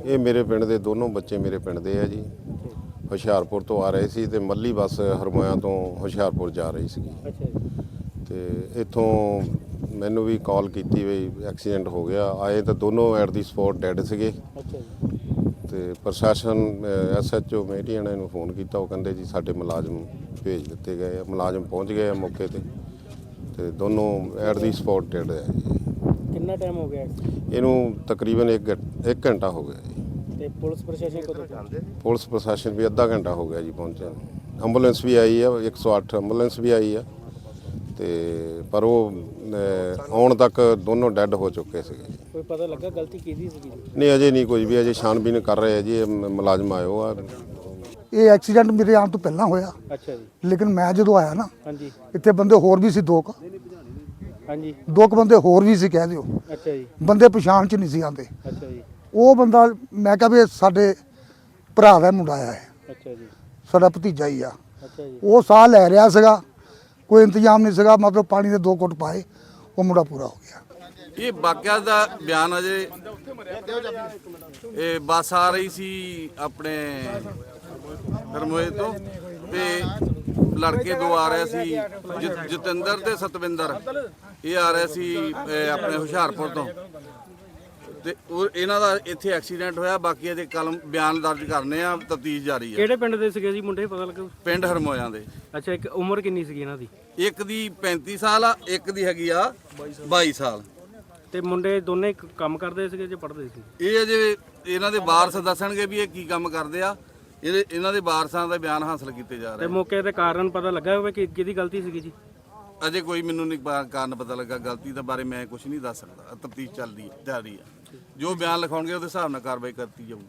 ਇਹ ਮੇਰੇ ਪਿੰਡ ਦੇ ਦੋਨੋਂ ਬੱਚੇ ਮੇਰੇ ਪਿੰਡ ਦੇ ਆ ਜੀ। ਹੁਸ਼ਿਆਰਪੁਰ ਤੋਂ ਆ ਰਹੇ ਸੀ ਤੇ ਮੱਲੀ ਬੱਸ ਹਰਮੋਇਆ ਤੋਂ ਹੁਸ਼ਿਆਰਪੁਰ ਜਾ ਰਹੀ ਸੀ। ਅੱਛਾ ਜੀ। ਤੇ ਇੱਥੋਂ ਮੈਨੂੰ ਵੀ ਕਾਲ ਕੀਤੀ ਵੀ ਐਕਸੀਡੈਂਟ ਹੋ ਗਿਆ। ਆਏ ਤਾਂ ਦੋਨੋਂ ਐਟ ਦੀ ਸਪੌਟ ਡੈਡ ਸੀਗੇ। ਅੱਛਾ ਜੀ। ਤੇ ਪ੍ਰਸ਼ਾਸਨ SHO ਮੇਟੀਆਂ ਨੇ ਨੂੰ ਫੋਨ ਕੀਤਾ। ਉਹ ਕਹਿੰਦੇ ਜੀ ਸਾਡੇ ਮੁਲਾਜ਼ਮ ਭੇਜ ਦਿੱਤੇ ਗਏ ਆ। ਮੁਲਾਜ਼ਮ ਪਹੁੰਚ ਗਏ ਆ ਮੌਕੇ ਤੇ ਦੋਨੋਂ ਐਟ ਦੀ ਸਪੌਟ ਡੈਡ ਹੈ ਜੀ। ਕਿੰਨਾ ਟਾਈਮ ਹੋ ਗਿਆ ਇਹਨੂੰ ਤਕਰੀਬਨ 1 ਘੰਟਾ ਹੋ ਗਿਆ ਜੀ। ਤੇ ਪੁਲਿਸ ਪ੍ਰਸ਼ਾਸਨ ਕਦੋਂ ਪਹੁੰਚੇ? ਪੁਲਿਸ ਪ੍ਰਸ਼ਾਸਨ ਵੀ ਅੱਧਾ ਘੰਟਾ ਹੋ ਗਿਆ ਜੀ ਪਹੁੰਚਿਆ। ਐਂਬੂਲੈਂਸ ਵੀ ਆਈ ਆ, 108 ਐਂਬੂਲੈਂਸ ਵੀ ਆਈ ਆ ਤੇ ਪਰ ਉਹ ਆਉਣ ਤੱਕ ਦੋਨੋਂ ਡੈੱਡ ਹੋ ਚੁੱਕੇ ਸੀਗੇ ਜੀ। ਕੋਈ ਪਤਾ ਲੱਗਾ ਗਲਤੀ ਕਿਹਦੀ ਸੀਗੀ? ਨਹੀਂ ਅਜੇ ਨਹੀਂ ਕੁਝ ਵੀ, ਅਜੇ ਛਾਣਬੀਨ ਕਰ ਰਹੇ ਆ ਜੀ। ਇਹ ਮੁਲਾਜ਼ਮ ਆਇਓ ਆ। ਇਹ ਐਕਸੀਡੈਂਟ ਮੇਰੇ ਆਉਣ ਤੋਂ ਪਹਿਲਾਂ ਹੋਇਆ, ਅੱਛਾ ਜੀ। ਲੇਕਿਨ ਮੈਂ ਜਦੋਂ ਆਇਆ ਨਾ ਹਾਂਜੀ ਇੱਥੇ ਬੰਦੇ ਹੋਰ ਵੀ ਸੀ ਹਾਂਜੀ। ਦੋ ਕੁ ਬੰਦੇ ਹੋਰ ਵੀ ਸੀ ਕਹਿ ਦਿਓ। ਅੱਛਾ ਜੀ। ਬੰਦੇ ਪਛਾਣ ਚ ਨਹੀਂ ਸੀ ਆਉਂਦੇ। ਅੱਛਾ ਜੀ। ਉਹ ਬੰਦਾ ਮੈਂ ਕਿਹਾ ਵੀ ਇਹ ਸਾਡੇ ਭਰਾ ਦਾ ਮੁੰਡਾ ਆ, ਇਹ ਅੱਛਾ ਜੀ। ਸਾਡਾ ਭਤੀਜਾ ਹੀ ਆ। ਅੱਛਾ ਜੀ। ਉਹ ਸਾਹ ਲੈ ਰਿਹਾ ਸੀਗਾ, ਕੋਈ ਇੰਤਜ਼ਾਮ ਨਹੀਂ ਸੀਗਾ, ਮਤਲਬ ਪਾਣੀ ਦੇ 2 ਘੁੱਟ ਪਾਏ, ਉਹ ਮੁੰਡਾ ਪੂਰਾ ਹੋ ਗਿਆ। ਇਹ ਵਾਕਿਆ ਦਾ ਬਿਆਨ ਅਜੇ ਇਹ ਬੱਸ ਆ ਰਹੀ ਸੀ ਆਪਣੇ ਹਰਮੋਏ ਤੋਂ ਤੇ ਲੜਕੇ ਦੋ ਆ ਰਹੇ ਸੀ, ਜਤਿੰਦਰ ਤੇ ਸਤਵਿੰਦਰ। ਇਹ ਆ ਰਹੇ ਸੀ ਆਪਣੇ ਹੁਸ਼ਿਆਰਪੁਰ ਤੋਂ ਤੇ ਉਹ ਇਹਨਾਂ ਦਾ ਇੱਥੇ ਐਕਸੀਡੈਂਟ ਹੋਇਆ। ਬਾਕੀ ਇਹਦੇ ਕਲਮ ਬਿਆਨ ਦਰਜ ਕਰਨੇ ਆ, ਤਫਤੀਸ਼ ਜਾਰੀ ਹੈ। ਕਿਹੜੇ ਪਿੰਡ ਦੇ ਸੀਗੇ ਜੀ ਮੁੰਡੇ, ਪਤਾ ਲੱਗਾ? ਪਿੰਡ ਹਰਮੋਇਆਂ ਦੇ। ਅੱਛਾ, ਇੱਕ ਉਮਰ ਕਿੰਨੀ ਸੀਗੀ ਇਹਨਾਂ ਦੀ? ਇੱਕ ਦੀ 35 ਸਾਲ ਆ, ਇੱਕ ਦੀ ਹੈਗੀ ਆ 22 ਸਾਲ। ਤੇ ਮੁੰਡੇ ਦੋਨੇ ਕੰਮ ਕਰਦੇ ਸੀਗੇ ਜਾਂ ਪੜ੍ਹਦੇ ਸੀ? ਇਹ ਅਜੇ ਇਹਨਾਂ ਦੇ ਵਾਰਸ ਦੱਸਣਗੇ ਵੀ ਇਹ ਕੀ ਕੰਮ ਕਰਦੇ ਆ। ਇਹਨਾਂ ਦੇ ਵਾਰਸਾਂ ਦਾ ਬਿਆਨ ਹਾਸਲ ਕੀਤੇ ਜਾ ਤੇ ਰਹੇ। ਮੌਕੇ ਤੇ ਕਾਰਨ ਪਤਾ ਲੱਗਾ ਹੋਵੇ ਕਿ ਕਿਹਦੀ ਗਲਤੀ ਸੀਗੀ ਜੀ? ਅਜੇ ਕੋਈ ਮੈਨੂੰ ਨਹੀਂ ਕਾਰਨ ਪਤਾ ਲੱਗਾ। ਗਲਤੀ ਦੇ ਬਾਰੇ ਮੈਂ ਕੁਝ ਨਹੀਂ ਦੱਸ ਸਕਦਾ। ਤਫਤੀਸ਼ ਚੱਲਦੀ ਜਾਰੀ ਹੈ। ਜੋ ਬਿਆਨ ਲਿਖਾਉਣਗੇ ਉਹਦੇ ਹਿਸਾਬ ਨਾਲ ਕਾਰਵਾਈ ਕਰਤੀ ਜਾਊਗੀ।